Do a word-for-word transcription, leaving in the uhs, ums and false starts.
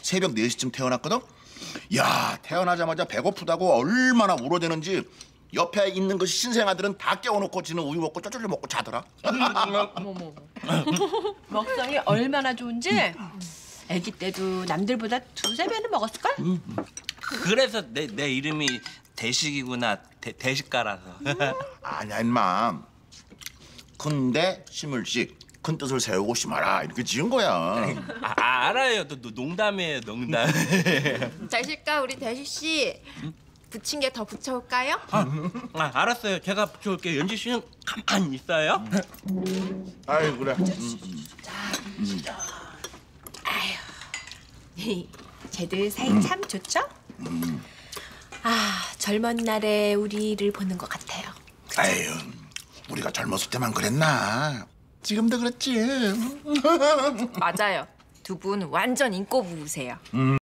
새벽 네 시쯤 태어났거든. 야, 태어나자마자 배고프다고 얼마나 울어대는지 옆에 있는 그 신생아들은 다 깨워놓고 지는 우유 먹고 쪼쪼쪼 먹고 자더라. 어머머. 먹성이 얼마나 좋은지 아기 때도 남들보다 두세 배는 먹었을걸? 그래서 내, 내 이름이 대식이구나. 대, 대식가라서. 아니야 임마. 큰데 심을식, 큰 뜻을 세우고 심어라 이렇게 지은 거야. 아, 알아요. 또 농담이에요, 농담. 대실까 우리 대식 씨 붙인 게 더 붙여올까요? 아, 아, 알았어요. 제가 붙여올게요. 연지 씨는 가만히 있어요. 아이 그래. 쟤들 사이 참 좋죠? 아, 젊은 날에 우리를 보는 것 같아요. 아유, 우리가 젊었을 때만 그랬나? 지금도 그렇지. 맞아요. 두 분 완전 인꼬 부부세요.